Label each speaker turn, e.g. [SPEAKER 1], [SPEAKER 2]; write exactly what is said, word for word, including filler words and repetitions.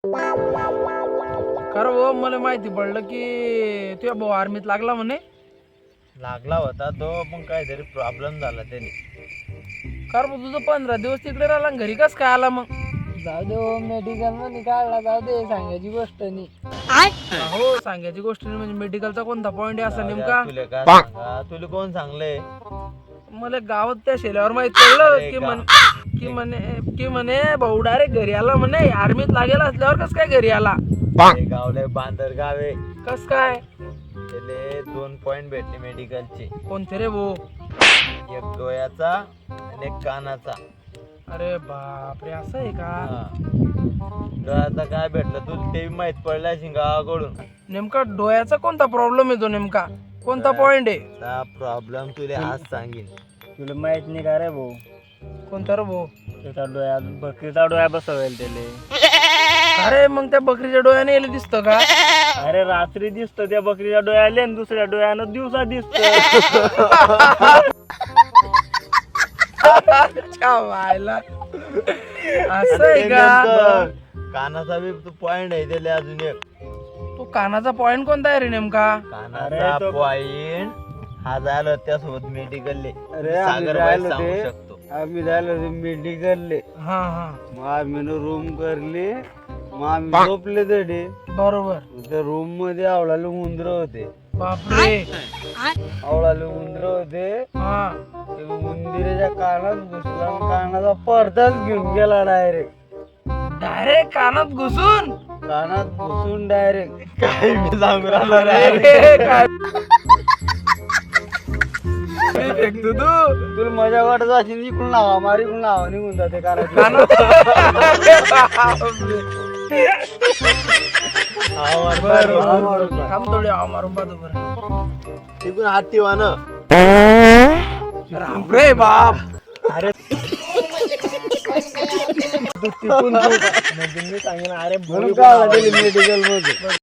[SPEAKER 1] खरं हो, मला माहिती पडलं की तुझ्या भाऊ आर्मीत लागला म्हणे.
[SPEAKER 2] लागला होता तो, पण काहीतरी प्रॉब्लेम झाला त्याने.
[SPEAKER 1] खरं भाऊ, तुझं पंधरा दिवस तिकडे राहिला आणि घरी कस काय आला मग?
[SPEAKER 3] जाऊ दे हो, मेडिकल मध्ये काढला, जाऊ दे, सांगायची गोष्ट नाही.
[SPEAKER 1] हो, सांगायची गोष्ट नाही म्हणजे मेडिकलचा कोणता पॉइंट आहे असा नेमका?
[SPEAKER 2] तुला काय सांगा, तुला कोण सांगले?
[SPEAKER 1] मला गावात त्या शेल्यावर माहित पडलं
[SPEAKER 2] अरे
[SPEAKER 1] की
[SPEAKER 2] गा-
[SPEAKER 1] म्हण की म्हणे की म्हणे भाऊ डायरेक्ट घरी आला म्हणे. आर्मीत लागेल असल्यावर कस काय घरी आला?
[SPEAKER 2] ते गावले बांदर गावे.
[SPEAKER 1] कस काय?
[SPEAKER 2] त्याले दोन पॉइंट भेटले मेडिकलचे,
[SPEAKER 1] कोणते रे भाऊ?
[SPEAKER 2] एक डोळ्याचा आणि एक कानाचा.
[SPEAKER 1] अरे बापरे, असं आहे का?
[SPEAKER 2] हा. डोळ्याचा काय भेटलं तुला ते माहित पडलं असेल गावाकडून.
[SPEAKER 1] नेमका डोळ्याचा कोणता प्रॉब्लेम येतो नेमका? कोणता पॉइंट आहे?
[SPEAKER 2] प्रॉब्लेम तुला आज सांगेन.
[SPEAKER 3] तुला माहित नाही का रे भाऊ?
[SPEAKER 1] कोणता रे भाऊ?
[SPEAKER 3] त्याचा डोळ्या बकरीचा डोळ्या बसवेल त्याले.
[SPEAKER 1] अरे मग त्या बकरीच्या डोळ्याने येलं दिसतं का?
[SPEAKER 3] अरे रात्री दिसतं त्या बकरीच्या डोळ्याले आणि दुसऱ्या डोळ्यानं दिवसा दिसत.
[SPEAKER 1] व्हायला असं आहे का?
[SPEAKER 2] कानाचा बी पॉइंट आहे त्याला अजून एक.
[SPEAKER 1] तो कानाचा पॉइंट कोणता आहे रे नेमका?
[SPEAKER 2] कानाचा
[SPEAKER 3] अरे तो-
[SPEAKER 2] पॉइंट हा झाला त्यासोबत मेडिकलले.
[SPEAKER 3] अरे आम्ही
[SPEAKER 2] सागर भाई
[SPEAKER 3] राहिलो
[SPEAKER 2] सांगू
[SPEAKER 3] ते
[SPEAKER 2] शकतो.
[SPEAKER 3] आम्ही राहिलो ते मेडिकलले.
[SPEAKER 1] हा हा,
[SPEAKER 3] मग आम्ही रूम करली, मग आम्ही झोपले तडे.
[SPEAKER 1] बरोबर.
[SPEAKER 3] त्या रूम मध्ये आवळाले उंदर होते.
[SPEAKER 1] बापरे.
[SPEAKER 3] आवळाले उंदर होते.
[SPEAKER 1] हा,
[SPEAKER 3] ते उंदिराच्या कानात घुसला आणि कानाचा पडदाच घेऊन गेला डायरेक्ट.
[SPEAKER 1] डायरेक्ट कानात घुसून?
[SPEAKER 3] कानात घुसून डायरेक्ट.
[SPEAKER 2] काय मी सांगू राहिलो रे.
[SPEAKER 1] अरे, काय फेकतो तू
[SPEAKER 3] तुला मजा वाटत असेल इकडून लावा मारी इकडून लावा निघून जाते कानात.
[SPEAKER 1] कानात?
[SPEAKER 2] आवाज
[SPEAKER 1] बरं,
[SPEAKER 2] बरं.
[SPEAKER 1] बरं, बरं. थांब थोडी आव मारून पाहतो बरं.
[SPEAKER 2] तिकडून हात ठेवा ना.
[SPEAKER 1] राम रे बाप.
[SPEAKER 3] अरे तिकून म्हणजे मी सांगेन, अरे मेडिकल मध्ये